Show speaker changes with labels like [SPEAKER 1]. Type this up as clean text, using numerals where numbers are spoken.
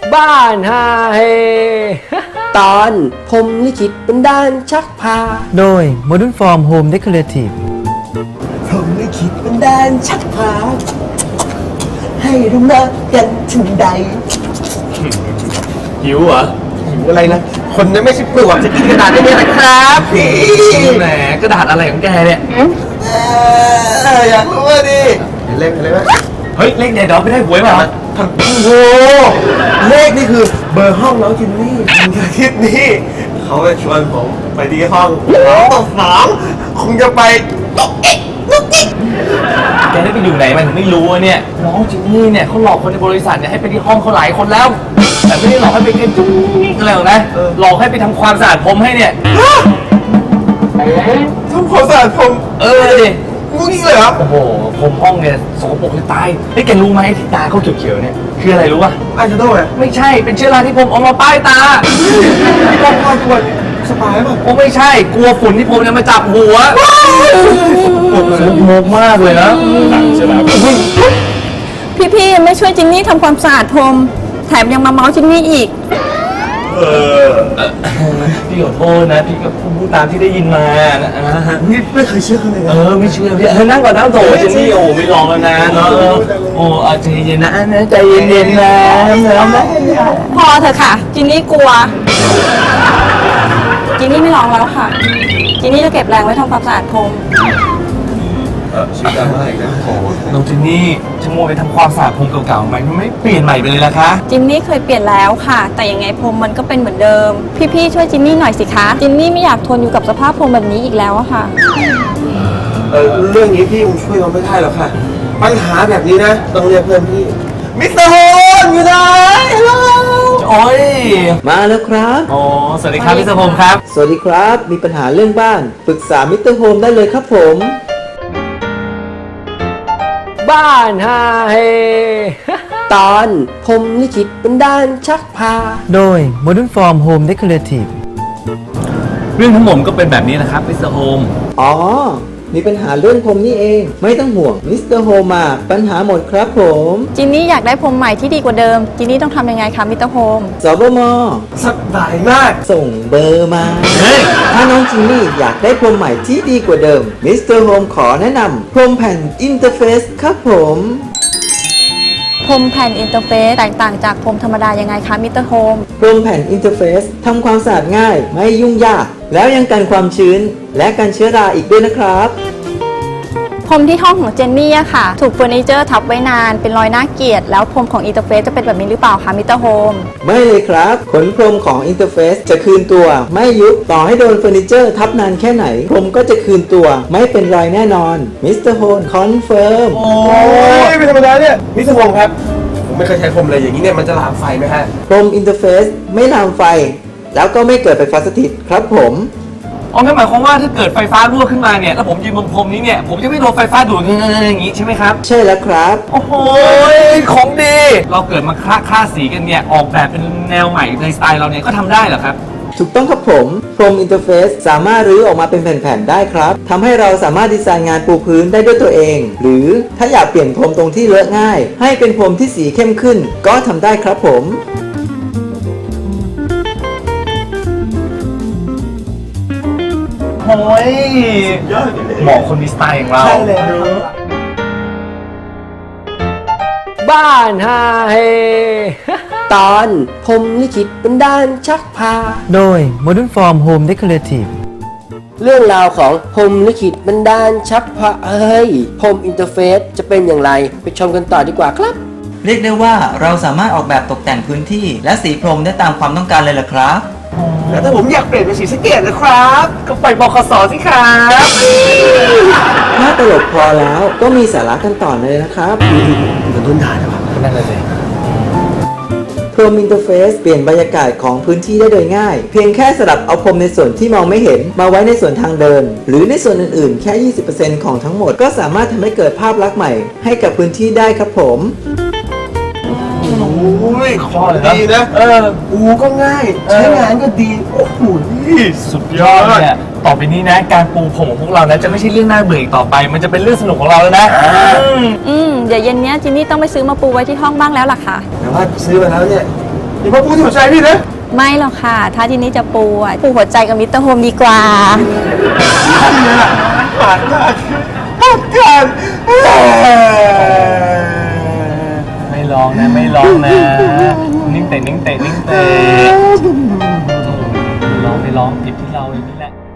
[SPEAKER 1] บ้านฮาเฮ
[SPEAKER 2] ตอนพรหมลิขิตบันดาลชักพา
[SPEAKER 1] โดย Modern Form Home Decorative
[SPEAKER 2] พรหมลิขิตบันดาลชักพาให้เรามากันถึงใด
[SPEAKER 3] หิวเหรอ
[SPEAKER 2] หิวอะไรนะคนนั้นไม่ใช่ปลวกจะกินกระดาษได้ไหมนะครับพี่
[SPEAKER 3] แหมกระดาษอะไรของแกเนี่ย
[SPEAKER 2] อยากรู้ว่าดิเลขอะไรไหม
[SPEAKER 3] เฮ้ยเลขเด็ดเราไม่ได้หวยมา
[SPEAKER 2] โอ้โหเลขนี่คือเบอร์ห้องน้องจินนี่วันอาทิตย์นี้เขาจะชวนผมไปที่ห้อง2 คงจะไปตกเอ๊ะตกเอ๊ะ
[SPEAKER 3] แกได้ไปอยู่ไหนมันถึงไม่รู้อะเนี่ยน้องจินนี่เนี่ยเขาหลอกคนในบริษัทเนี่ยให้ไปที่ห้องเขาหลายคนแล้ว แต่ไม่ได้หลอกให้ไปกินจุ๊กอะไรหรอกนะหลอกให้ไปทำความสะอาดผมให้เนี่ย
[SPEAKER 2] ทำความสะอาดผม
[SPEAKER 3] ดิ
[SPEAKER 2] งูนี่เลยครับ
[SPEAKER 3] โอ้โหผมห้องเนี่ยสกปรกจะตายเฮ้ยแกรู้ไหมที่ตาเขาเขียวๆเนี่ยคืออะไรรู้ป่ะ
[SPEAKER 2] อาจจะต้องแบบ
[SPEAKER 3] ไม่ใช่เป็นเชื้อราที่ผมเอามาป้ายตา
[SPEAKER 2] ต้องคอยควรสบายป่ะ
[SPEAKER 3] โอ้ไม่ใช่กลัวฝุ่นที่ผมเนี่ยมาจับหัวสกปรกมากเลยนะใช่ไหม
[SPEAKER 4] พี่ๆไม่ช่วยจินนี่ทำความสะอาดพรมแถมยังมาเมาส์จินนี่อีก
[SPEAKER 3] พี่ขอโทษนะพี่ก็พูดตามที่ได้ยินมานะฮะ
[SPEAKER 2] นี่ไม่เคยเชื่อเขาเลยนะ
[SPEAKER 3] ไม่เชื่อพี่นั่งก่อนนั่งโถเจนนี่โอ้ไม่ลองแล้วนะเนาะโอ้ใจเย็นนะใจเย็นๆนะแล้วนะ
[SPEAKER 4] พอเถอะค่ะ จินนี่กลัว จินนี่ไม่ร้องแล้วค่ะ จินนี่จะเก็บแรงไว้ทำความสะอาดพรม
[SPEAKER 2] ชื่อดังมากอีกนะ
[SPEAKER 3] น้องเจนนี่ชั่วโมงไปทำความสะอาดพรมเก่าๆไหมไม่เปลี่ยนใหม่ไปเลยล่ะคะ
[SPEAKER 4] จินนี่เคยเปลี่ยนแล้วค่ะ แต่ยังไงพรมมันก็เป็นเหมือนเดิม พี่ๆช่วยจินนี่หน่อยสิคะ จินนี่ไม่อยากทนอยู่กับสภาพพรมแบบนี้อีกแล้วอะค่ะ
[SPEAKER 2] เรื่องนี้พี่คงช่วยเราไม่ได้หรอกค่ะ ปัญหาแบบนี้นะต้องเรียกเพื่อนพี่มิสเตอร์โฮนอยู่ไหนฮัลโหล
[SPEAKER 3] โอ้ย
[SPEAKER 5] มาแล้วครับ
[SPEAKER 3] อ๋อสวัสดีครับพี่สมพงศ์ครับ
[SPEAKER 5] สวัสดีครับ มีปัญหาเรื่องบ้าน ปรึกษามิสเตอร์โฮมได้เลยครับผม
[SPEAKER 1] บ้านฮาเฮ
[SPEAKER 2] ตอนพรหมลิขิตบันดาลชักพา
[SPEAKER 1] โดย Modern Form Home Decorative
[SPEAKER 3] เรื่องทั้งหมดก็เป็นแบบนี้นะครับมิสเตอร์โฮม
[SPEAKER 5] อ๋อ มีปัญหาเรื่องผมนี่เอง ไม่ต้องห่วงมิสเตอร์โฮมมาปัญหาหมดครับผม
[SPEAKER 4] จินนี่อยากได้พรมใหม่ที่ดีกว่าเดิม จินนี่ต้องทำยังไงคะมิสเตอร์โฮม
[SPEAKER 5] สบม
[SPEAKER 2] สบายมาก
[SPEAKER 5] ส่งเบอร์มา
[SPEAKER 3] เฮ้ย
[SPEAKER 5] ถ้าน้องจินนี่อยากได้พรมใหม่ที่ดีกว่าเดิมมิสเตอร์โฮมขอแนะนำพรมแผ่นอินเตอร์เฟซครับผม
[SPEAKER 4] พรมแผ่นอินเตอร์เฟซแตกต่างจากพรมธรรมดายังไงคะมิสเตอร์โฮม
[SPEAKER 5] พรมแผ่นอินเตอร์เฟซทำความสะอาดง่าย ไม่ยุ่งยาก แล้วยังกันความชื้น และกันเชื้อราอีกด้วยนะครับ
[SPEAKER 4] พรมที่ห้องของเจนนี่อะค่ะ ถูกเฟอร์นิเจอร์ทับไว้นานเป็นรอยน่าเกลียดแล้วพรมของอินเตอร์เฟซจะเป็นแบบนี้หรือเปล่าคะมิสเตอร์โฮม
[SPEAKER 5] ไม่เลยครับขนพรมของอินเตอร์เฟซจะคืนตัว ไม่ยุบต่อให้โดนเฟอร์นิเจอร์ทับนานแค่ไหน พรมก็จะคืนตัว ไม่เป็นรอยแน่นอนมิสเตอร์โฮนคอนเฟิร์ม
[SPEAKER 2] โอ้ยไม่ธรรมดาเนี่ยมิสเตอร์โฮมครับ ผมไม่เคยใช้พรมเลยอย่างนี้เนี่ยมันจะลามไฟไหมฮะ
[SPEAKER 5] พรมอินเตอร์เฟซไม่ลามไฟ แล้วก็ไม่เกิดไฟฟ้าสถิตครับผม
[SPEAKER 3] อ๋องั้นหมายความว่าถ้าเกิดไฟฟ้ารั่วขึ้นมาเนี่ยแล้วผมยืนบนพรมนี้เนี่ยผมจะไม่โดนไฟฟ้าดูดอย่างนี้ใช่ไหมครับ
[SPEAKER 5] ใช่แล้วครับ
[SPEAKER 3] โอ้โหของดี เราเกิดมาค่าสีกันเนี่ยออกแบบเป็นแนวใหม่ในสไตล์เราเนี่ยก็ทำได้เหรอครับ
[SPEAKER 5] ถูกต้องครับผมพรมอินเตอร์เฟซสามารถรื้อออกมาเป็นแผ่นๆได้ครับทำให้เราสามารถดีไซน์งานปูพื้นได้ด้วยตัวเอง หรือถ้าอยากเปลี่ยนพรมตรงที่เลอะง่าย ให้เป็นพรมที่สีเข้มขึ้น ก็ทำได้ครับผม
[SPEAKER 3] โอ้ยเหมาะคนมีสไตล์อย่างเรา
[SPEAKER 2] ใช่เลย
[SPEAKER 1] บ้านฮาเฮ
[SPEAKER 2] ตอนพรหมลิขิตบันดาลชักพา
[SPEAKER 1] โดย Modern Form Home Decorative
[SPEAKER 2] เรื่องราวของพรหมลิขิตบันดาลชักพาพรหมอินเตอร์เฟซจะเป็นอย่างไรไปชมกันต่อดีกว่าครับ
[SPEAKER 5] เรียกได้ว่าเราสามารถออกแบบตกแต่งพื้นที่ และสีพรมได้ตามความต้องการเลยล่ะครับ
[SPEAKER 2] แล้วถ้าผมอยากเปลี่ยนเป็นสีสะเกตนะครับ
[SPEAKER 3] ก็ไปบคสสิครับ
[SPEAKER 5] ถ้าตลกพอแล้วก็มีสาระกันต่อเลยนะครับ
[SPEAKER 2] มันต้นด่าเลยวะ
[SPEAKER 3] นั่นเลย
[SPEAKER 5] พรมอินเตอร์เฟซเปลี่ยนบรรยากาศของพื้นที่ได้โดยง่าย เพียงแค่สลับเอาพรมในส่วนที่มองไม่เห็นมาไว้ในส่วนทางเดิน หรือในส่วนอื่นๆ แค่ 20% ของทั้งหมดก็สามารถทำให้เกิดภาพลักษณ์ใหม่ให้กับพื้นที่ได้ครับผม
[SPEAKER 2] โอ้ยของดีนะปูก็ง่าย ใช้งานก็ดี โอ้โห
[SPEAKER 3] สุดยอดเนี่ยต่อไปนี้นะการปูผมของพวกเรานะจะไม่ใช่เรื่องน่าเบื่ออีกต่อไป มันจะเป็นเรื่องสนุกของเราแล้วนะ
[SPEAKER 4] เดี๋ยวเย็นเนี้ยจินนี่ต้องไปซื้อมาปูไว้ที่ห้องบ้างแล้วล่ะค่ะ
[SPEAKER 2] แต่ว่าซื้อมาแล้วเนี่ยอย่ามาปูที่หัวใจพี่นะ
[SPEAKER 4] ไม่หรอกค่ะ ถ้าจินนี่จะปูอะปูหัวใจกับมิสเตอร์โฮมดีกว่า
[SPEAKER 2] ผ่านมาผ่านกัน
[SPEAKER 3] ไม่ร้องนะไม่ร้องนะ นิ่งเตะนิ่งเตะนิ่งเตะไม่ร้องหยิบที่เราเองนี่แหละ